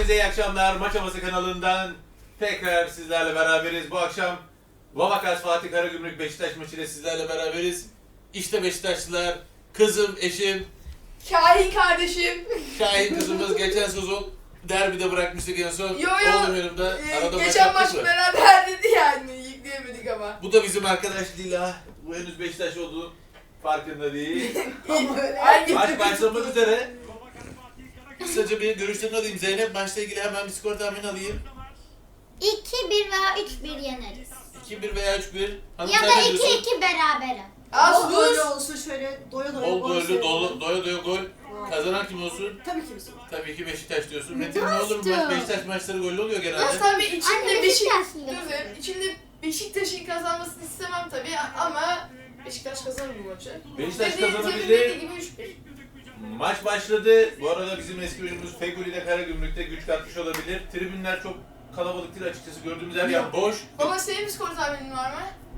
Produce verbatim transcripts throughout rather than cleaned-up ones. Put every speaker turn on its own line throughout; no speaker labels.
Hepinize iyi akşamlar. Maç Havası kanalından tekrar sizlerle beraberiz. Bu akşam Vavakas Fatih Karagümrük Beşiktaş maçıyla sizlerle beraberiz. İşte Beşiktaşlılar, kızım, eşim,
Şahin kardeşim.
Şahin kızımız geçen sezon derbide bırakmıştık en son.
Yo yo.
Oğlum yanımda.
Ee,
Arada maç
geçen maç
yaptık mı?
beraber dedi yani. Yükleyemedik ama.
Bu da bizim arkadaş Lila. Bu henüz Beşiktaş olduğu farkında değil.
Hangi
Maç başlamak üzere. Kısaca bir görüşlerini alayım. Zeynep, maçla ilgili hemen bir skor tahmini alayım.
iki bir veya üç bir yeneriz.
iki bir veya üç bir. Hanım
Ya
sen
da
ne diyorsun?
iki iki berabere.
Az
Bol
buz.
gollü olsun şöyle doya doya
Bol
gol
gollü,
seviyorum.
dolu, doya doya gol. Kazanan kim olsun?
Tabii ki bizim.
Tabii ki Beşiktaş diyorsun. Metin ne olur mu? Maç, Beşiktaş maçları gollü oluyor genelde.
Az tabii içimde
Anne,
Beşiktaş.
Beşiktaşlı.
Dur, içimde Beşiktaş'ın kazanmasını istemem tabii ama Beşiktaş kazanır bu maçı.
Beşiktaş
Dediğim-
kazanabilir.
dediğim gibi üç bir.
Maç başladı. Bu arada bizim eski oyuncumuz Feguli de Karagümrük'te güç katmış olabilir. Tribünler çok kalabalık değil açıkçası. Gördüğümüz her yer boş.
Baba senin bir skor tahminin var mı?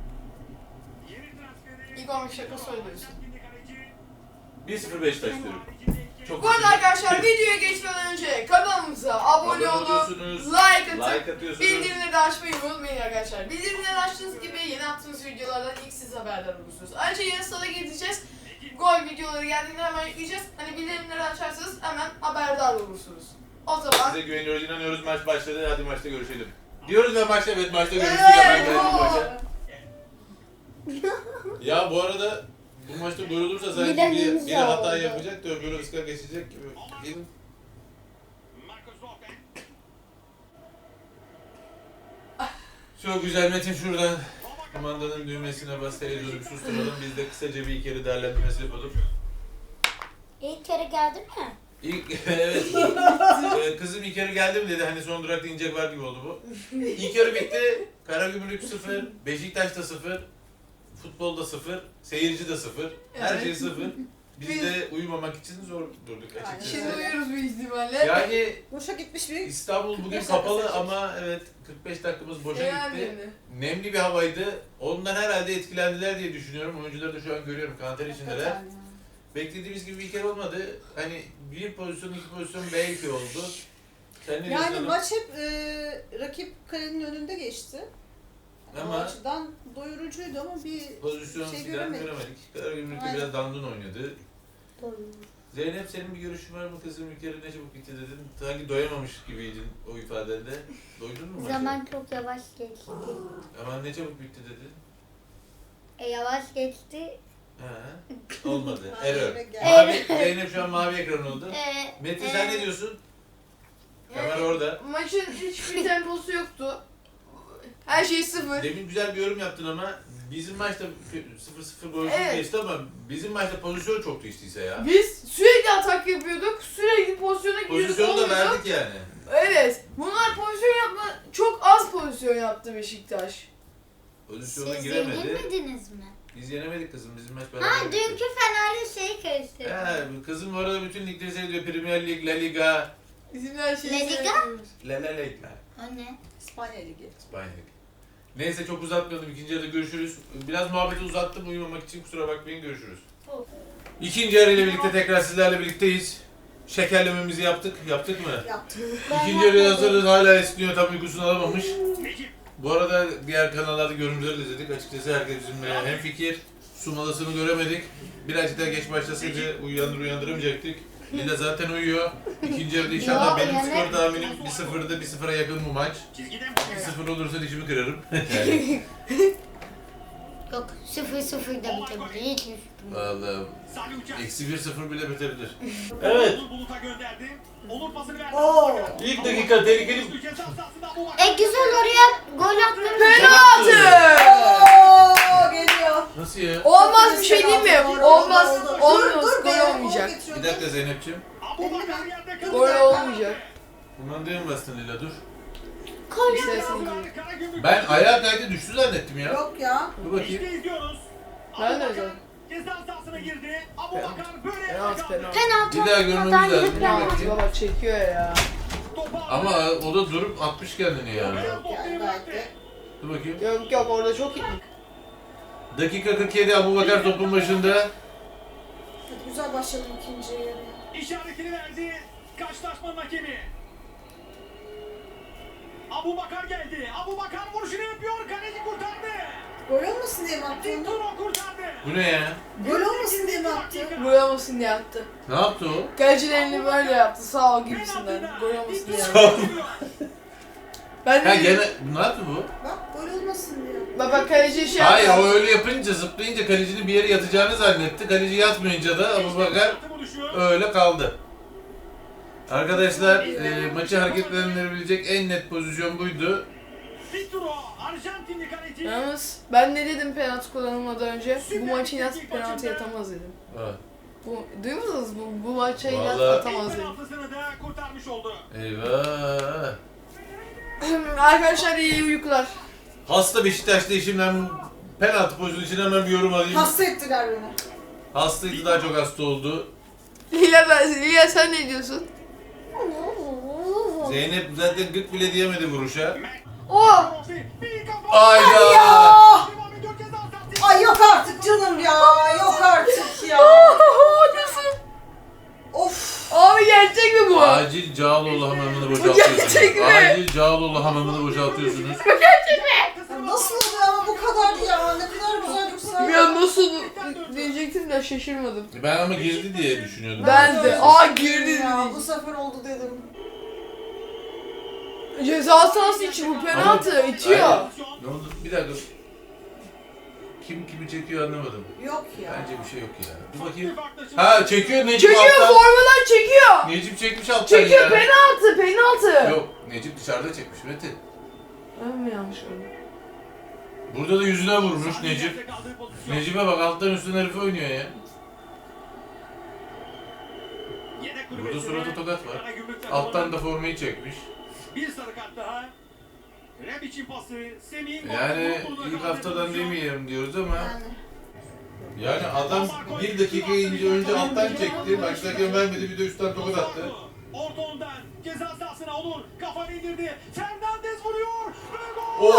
İlk on beş dakika söylüyorsun.
bir sıfır Beşiktaş diyorum. Çok
Bu arada
güzel.
arkadaşlar videoya geçmeden önce kanalımıza abone olup
oluyorsunuz,
like atıp
like atıyorsunuz.
bildirimleri de açmayı unutmayın arkadaşlar. Bildirimleri açtığınız gibi yeni attığımız videolardan ilk siz haberdar olursunuz. Ayrıca yarın salı gideceğiz. Gol videoları geldiğinde hemen yükleyeceğiz. Hani bildirimleri açarsanız hemen haberdar olursunuz. O zaman...
Size güveniyoruz, inanıyoruz. Maç başladı. Hadi maçta görüşelim. Diyoruz ve maçta, evet maçta görüştük.
Evet,
Hemen geldik
oo.
maça. Ya bu arada bu maçta gol olursa sanki
Giden
bir,
imza
biri hata
oldu.
yapacak da öbürü ıskak geçecek gibi. Değil mi? Çok güzel Metin, şuradan kumandanın düğmesine bas, televizyonu bir susturalım. Biz de kısaca bir iki kere değerlendirmesi yapalım.
İlk kere geldi mi?
İlk, evet. Ee, kızım ilk yarı geldi mi dedi, hani son durakta inecek var gibi oldu bu. İlk yarı bitti. Karagümrük sıfır, Beşiktaş'ta sıfır, futbolda sıfır, seyirci de sıfır, her
Evet.
şey sıfır. Biz de uyumamak için zor durduk açıkçası.
Şimdi uyuyoruz büyük ihtimalle.
Yani
Boşa gitmiş bir
İstanbul bugün
kırk beş
kapalı
dakika
ama evet kırk beş dakikamız boşa
Yani.
gitti. Nemli bir havaydı. Ondan herhalde etkilendiler diye düşünüyorum. Oyuncuları da şu an görüyorum. Kanter içindeler. Beklediğimiz gibi bir kere olmadı. Hani bir pozisyon, iki pozisyon belki oldu. Sen ne diyorsun
Yani
hanım?
maç hep e, rakip kalenin önünde geçti.
Ama
O açıdan doyurucuydu ama bir
pozisyon
şey
filan
göremedik.
göremedik. Karagümrük'te
Aynen.
biraz dandun oynadı. Zeynep, senin bir görüşün var mı kızım? Bir kere ne çabuk bitti dedin. Sanki doyamamış gibiydin o ifadende. Doydun mu maça?
Zaman çok yavaş geçti.
Aman ne çabuk bitti dedin.
E, yavaş geçti.
Ha, olmadı.
Aynen
Error.
öyle geldi.
Mavi, Zeynep şu an mavi ekran oldu.
E,
Metin
e,
sen ne diyorsun? Kamera orada.
Maçın hiçbir temposu yoktu. Her şey sıfır.
Demin güzel bir yorum yaptın ama bizim maçta sıfır sıfır golsüz
Evet.
geçti ama bizim maçta pozisyon çoktu işte ise ya.
Biz sürekli atak yapıyorduk. Sürekli pozisyona giriyorduk.
Pozisyonu da
olmuyordu.
verdik yani.
Evet. Bunlar pozisyon yapma, çok az pozisyon yaptı Beşiktaş.
Pozisyona
siz
giremedi.
yenilmediniz mi?
Biz yenemedik kızım. Bizim maç beraber
Ha,
bitti.
dünkü Fener'le şeyi karıştırdım.
He, kızım bu arada bütün ligleri seyrediyor. Premier Lig, La Liga,
Bizim her şeyi
La Liga?
seviyoruz.
La La Liga,
O ne?
İspanya Ligi.
İspanya Lig. Neyse çok uzatmayalım. İkinci yarıda görüşürüz. Biraz muhabbeti uzattım uyumamak için, kusura bakmayın, görüşürüz.
Oh.
İkinci yarıyla birlikte tekrar sizlerle birlikteyiz. Şekerlememizi yaptık. Yaptık mı?
Yaptım.
İkinci yarıya hazırız. Hala esniyor. Tam uykusunu alamamış. Bu arada diğer kanallarda görüntüleri de izledik. Açıkçası herkes bizimle hemfikir. Sumalısını göremedik. Birazcık daha geç başlasaydı uyandır uyandıramayacaktık. Lila zaten uyuyor. İkinci yarıda inşallah
Yo,
benim
uyanır.
skor tahminim bir sıfırda bir sıfıra yakın bu maç. bir sıfır olursa dişimi kırarım. Yani.
Yok, sıfır sıfır da bitebilir. Hiç şüphem yok.
Vallahi eksi bir sıfır bile bitebilir. Evet.
Oo.
İlk dakika tehlikeli.
E güzel, oraya gol atmamız.
Penaltı!
Oo, geliyor.
Nasıl ya?
Olmaz bir şey değil mi?
Doğru,
Olmaz.
oldu, oldu.
Olmaz.
Dur, dur,
Gol
be,
olmayacak.
gol getiriyor.
Bir dakika Zeynep'ciğim.
Gol olmayacak.
Kumandaya mı bastın Lila, dur.
Gol.
İstersen
Ben ayağa kaydı düştü zannettim ya.
Yok ya.
Dur bakayım.
Ben de öyle.
Ceza sahasına girdi. Abubakar böyle
Penaltı penaltı.
Penaltı
Bir daha görmemiz
olmadan
lazım.
yıkılamaz.
Dur
Penaltı
bakayım.
baba çekiyor ya.
Ama o da durup atmış kendini yani.
Yok yani gayet de.
Dur bakayım.
Yok yok orada çok iyi.
Dakika kırk yedi, Abubakar topun başında.
Hadi güzel başladım ikinci yarıya.
işaretini verdi. Karşılaşmanın hakemi. Abubakar geldi. Abubakar vuruşunu yapıyor. Kaleci kurtardı.
Gol olmasın diye mi attı onu?
Tinturo kurtardı.
Bu ne ya?
Gol olmasın diye mi attı?
Gol olmasın diye attı.
Ne yaptı o?
Kalecilerini böyle yaptı sağ ol gibisinden. Gol olmasın diye
Tinturo
yaptı.
geliyor.
Ben
Ha
de
gene ne yaptı bu?
Bak gol olmasın diye.
baba kaleci şey
Hayır
yaptı.
o öyle yapınca zıplayınca kalecinin bir yere yatacağını zannetti. Kaleci yatmayınca da Abubakar öyle kaldı. Arkadaşlar e, maçı hareketlendirebilecek en net pozisyon buydu.
Tinturo Arjantinli kaleci.
Yalnız ben ne dedim penaltı kullanılmadan önce? Bu maçı Inat penaltı atamaz dedim.
Ha,
Bu, duymadınız mı? Bu, bu maça Inat
Vallahi-
atamaz
İlk
dedim.
penaltısını da kurtarmış oldu.
eyvah.
Arkadaşlar iyi uykular.
Hasta Beşiktaş'ta işimden penaltı pozisyonu için hemen bir yorum alayım.
Hasta ettiler beni.
Hastaydı, daha çok hasta oldu.
Lila, ben, Lila sen ne diyorsun?
Zeynep zaten gık bile diyemedi vuruşa.
Oh!
Bir kafa.
Ayda!
Devam ediyor ceza sahası.
Ay yok artık canım ya. Yok artık ya.
Nasıl?
Of.
Abi gerçek mi bu?
Acil Cağaloğlu hamamını boşaltıyorsunuz.
gerçek mi?
Acil Cağaloğlu hamamını boşaltıyorsunuz.
Ya nasıl oluyor ama bu kadar ya. Ne kadar güzel bir sayı.
Ya nasıl diyecektim de şaşırmadım.
Ben ama girdi diye düşünüyordum.
Ben de. Aa girdi
ya.
dedi.
Bu sefer oldu dedim.
Ceza sahası için bu penaltı itiyor.
Aynen. Ne oldu? Bir dakika. Kim kimi çekiyor anlamadım.
Yok ya.
Bence bir şey yok ya. Dur bakayım. Ha çekiyor Necip
Çekiyor
alttan.
formadan çekiyor.
Necip çekmiş alttan
Çekiyor
ya.
penaltı penaltı.
Yok Necip dışarıda çekmiş Metin.
Ben mi yanlış gördüm?
Burada da yüzüne vurmuş Necip. Necip'e bak alttan üstten herif oynuyor ya. Burada surata tokat var. Alttan da formayı çekmiş.
Bir sarı kart daha. Rebic'in pası. Semih.
Yani ilk haftadan demeyelim diyoruz ama
Yani.
yani adam bir dakika ince önce alttan çekti. Başlarken vermedi, bir de üstten tokat attı.
Orta ondan ceza sahasına olur. Kafanı indirdi. Fernandez vuruyor. Ve gol.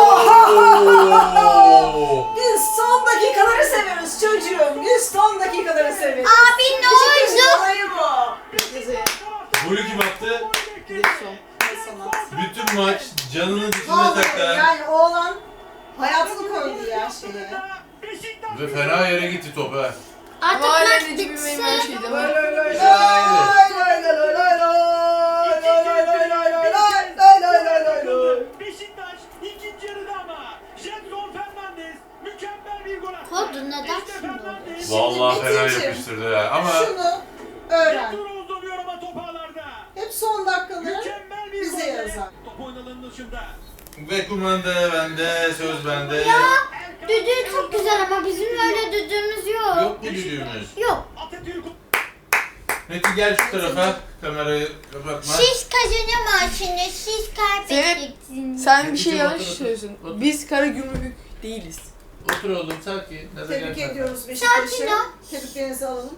Oo!
Biz son dakikaları seviyoruz çocuğum. Biz son dakikaları seviyoruz.
Abi ne
Beşiktaş'ın
oldu?
olayı bu.
Cezaya.
Golü kim attı?
Dilson.
Ne sanat.
Bütün maç canının dişine
Vallahi
takılan
yani oğlan hayatını koydu ya şeye.
ve fena yere gitti top ha.
Ama
Artık
hala
maç
Necip'in benim
bitsin.
her şeydi ama.
Lay lay lay
Aynen.
lay lay lay lay lay lay lay lay lay lay lay lay lay lay lay lay.
Beşiktaş ikinci yarıda ama Jetson Fernandez mükemmel bir gol attı.
Kodu neden
İşte
şimdi oldu?
Fernandez.
Vallahi fena
Metin'cim,
yapıştırdı ya. Ama
Şunu öğren.
Jetson uzanıyor ama top ağlarda.
Hep son dakikaları
Mükemmel bir
bize
gol.
yazar.
Top oynalanın dışında.
ve kumanda bende, söz bende.
Ya düdüğü çok güzel ama bizim öyle düdüğümüz yok.
Yok mu düdüğümüz?
Yok.
Atatürk
Metin gel şu tarafa. Kamerayı kapatma.
Siz kazanamazsınız, siz kaybedeceksiniz.
Sen bir şey
Necip,
yanlış
otur, otur.
söylüyorsun.
Otur.
Biz Karagümrük değiliz.
Otur oğlum sakin. Ne de
Tebrik
gel.
ediyoruz
Sakin
Beşiktaş'ı.
ol.
Tebriklerinizi alalım.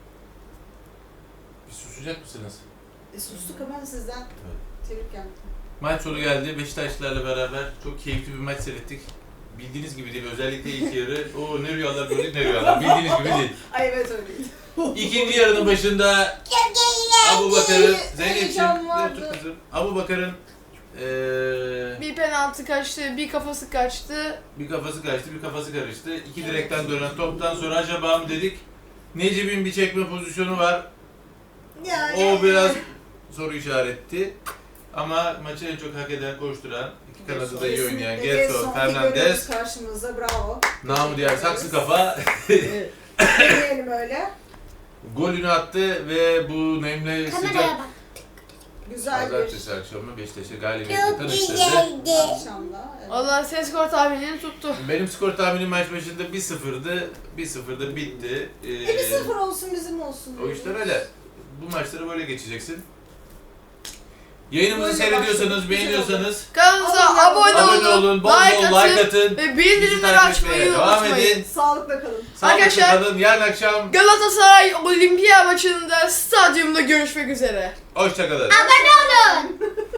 Bir susacak mısınız?
E, sustuk ama sizden tebrik geldi.
Maç sonu geldi. Beşiktaşlılarla beraber çok keyifli bir maç seyrettik. Bildiğiniz gibi değil. Özellikle ilk yarı. O ne rüyalar gördük ne rüyalar. Bildiğiniz gibi değil.
Ay evet öyleydi.
İkinci yarının başında Abubakar'ın, Zeynep'ciğim,
Heyecan
ne
vardı.
otur kızım? Abubakar'ın eee
Bir penaltı kaçtı, bir kafası kaçtı.
bir kafası kaçtı, bir kafası karıştı. İki direkten dönen toptan sonra acaba mı dedik? Necip'in bir çekme pozisyonu var.
Yani.
O biraz soru işaretti. Ama maçı en çok hak eden, koşturan, iki kanadı da iyi oynayan
Kesinlikle
Gelson
Fernandez
Fernandez,
karşımızda, bravo.
namı diğer saksı kafa
Demeyelim öyle.
golünü attı ve bu nemli
Kameraya
sıcak
bak.
Güzel bir
pazartesi akşamı Beşiktaş'ı galibiyetle
Çok
tanıştırdı.
güzeldi.
akşamda. Evet.
Allah ses skor tahminini tuttu.
Benim skor tahminim maç başında bir sıfırdı. bir sıfırda bitti. Ee,
E bir sıfır olsun bizim olsun.
O işler öyle. Bu maçları böyle geçeceksin. Yayınımızı
Böyle
seyrediyorsanız,
başladık,
beğeniyorsanız
Kanalımıza
Abone
abone,
abone
olun,
olun, bol
like,
bol
atın,
like atın.
ve
Bizi
bildirimleri
takip
açmayı
etmeye devam
unutmayın.
edin.
Sağlıkla kalın.
Sağlıklı
Arkadaşlar-
kalın. Yarın akşam
Galatasaray Olimpiya maçında stadyumda görüşmek üzere.
hoşça kalın.
Abone olun.